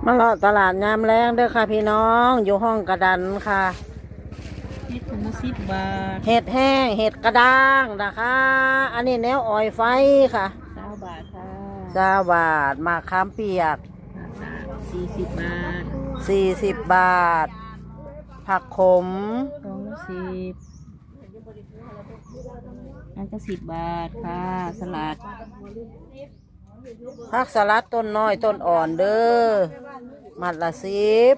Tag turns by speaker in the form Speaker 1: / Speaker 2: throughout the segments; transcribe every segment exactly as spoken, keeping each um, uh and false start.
Speaker 1: มาเลาะตลาดยามแรงเด้อค่ะพี่น้องอยู่ห้องกระดันค่ะ
Speaker 2: เห็ดถุงละสิบบาท
Speaker 1: เห็ดแห้งเห็ดกระด้างนะคะอันนี้แนวออยไฟค่ะ
Speaker 2: เก้าบาทค่ะ
Speaker 1: สาบาทมะขามเปียก
Speaker 2: สี่สิบบาท
Speaker 1: สี่สิบบาทผักขม
Speaker 2: สองละสิบอันก็สิบบาทค่ะสลัด
Speaker 1: ผักสลัดต้นน้อยต้นอ่อนเด้อมัดละสิบ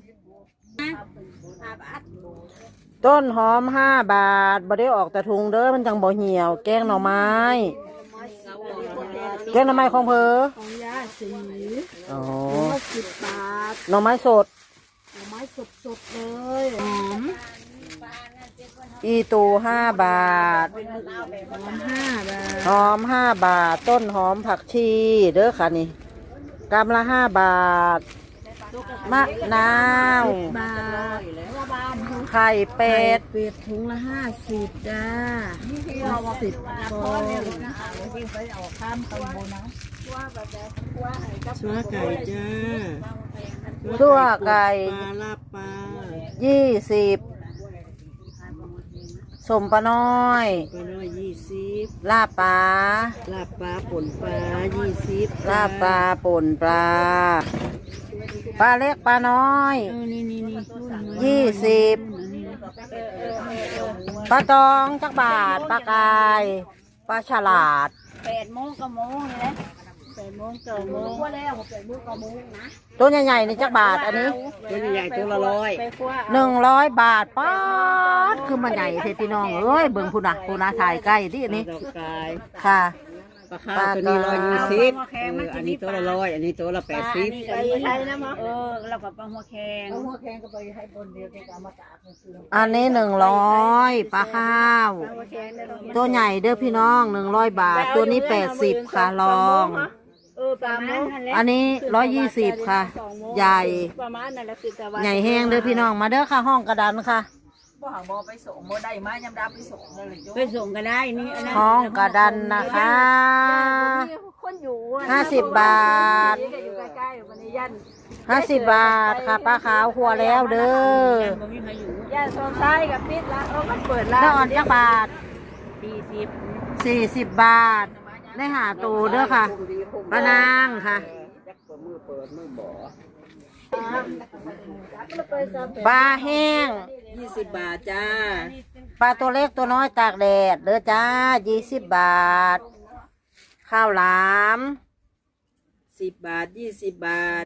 Speaker 1: ต้นหอมห้าบาทบ่ได้ออกแต่ถุงเด้อมันจังบ่เหี่ยวแกงหน่อไม้แกงหน่อไม้ของเพอ
Speaker 2: ของยาสี
Speaker 1: อ๋อ
Speaker 2: สิบบาท
Speaker 1: หน่อไม้สด
Speaker 2: หน่อไม้สดสดเลยหอม
Speaker 1: อีตูห้าบาท
Speaker 2: หอมห้าบาท
Speaker 1: หอมห้าบาทต้นหอมผักชีเด้อค่ะนี่กำละห้าบาทมะนาว
Speaker 2: บาท
Speaker 1: ไข่เป็ด
Speaker 2: เป็ดถุงละห้าสิบจ้าสิบฟองชัวไก่จ้า
Speaker 1: ชั่วไก่
Speaker 2: ปลาลาบปลา
Speaker 1: ยี่สิบสมปลาน้อย
Speaker 2: ปลาน้อยยี่สิบ
Speaker 1: ลาบปลา
Speaker 2: ลาบปลาป่นปลายี่สิบ
Speaker 1: ลาบปลาป่นปลาปลาเล็กปลาน้อยยี่สิบปลาตองจักบาทปลากายปลาฉลาด
Speaker 2: แปดโมงกับโมงนี่แหละแปดโมงเก้าโมงว่าแล้วแปดโมงเก้าโมงนะ
Speaker 1: ตัวใหญ่ๆนี่จักบาทอันนี้
Speaker 2: ตัวใหญ่ตัวละร้อย
Speaker 1: หนึ่งร้อยบาทป๊าดคือมันใหญ่เทพี่น้องเอ้ยเบิ่งพูนะพูนะถ่ายใกล้ที่อันนี้ค่ะ
Speaker 2: ปลาข้าวตัวนี้ร้อยยี่สิบอันนี้ตัวละร้อยอันนี้ตัวละแปดสิบ
Speaker 3: ไปใช้นะมั้งเออเรากับปลาหัวแข็ง
Speaker 2: หัวแข็งก็ไปให้บนเดียวแกเอามาตาก
Speaker 1: อันนี้หนึ่งร้อยปลาข้าวตัวใหญ่เด้อพี่น้องหนึ่งร้อยบาทตัวนี้แปดสิบค่ะลอง
Speaker 3: เออประมาณนั่นแหละ
Speaker 1: อันนี้ร้อยยี่สิบค่ะใหญ่
Speaker 3: ประมาณนั่นแหละคือแต่ว่า
Speaker 1: ใหญ่แห้งเด้อพี่น้องมาเด้อค่ะห้องกระดานค่ะ
Speaker 3: บ่หางบ่ไปส่งบ่ได้มายำดาไปส่งเลยไปส่งก็ได้นี่อันนั้น
Speaker 1: ห้องกระดานนะคะ
Speaker 3: คนอยู่
Speaker 1: ห้าสิบบาท
Speaker 3: อยู่ใกล้ๆวันนี้ยัน
Speaker 1: ห้าสิบบาทค่ะปลาขาวหัวแล้วเด้
Speaker 3: อย่าโซนซ้ายกับปิดละเออมันเปิดละ
Speaker 1: น้ำอ่อนจักบาท
Speaker 3: สี่สิบ
Speaker 1: สี่สิบบาทได้หาตูเด้อค่ะปลานางค่ะปลาแห้ง
Speaker 2: ยี่สิบบาทจ้า
Speaker 1: ปลาตัวเล็กตัวน้อยตากแดดเด้อจ้ายี่สิบบาทข้าวหลาม
Speaker 2: สิบบาทยี่สิบบาท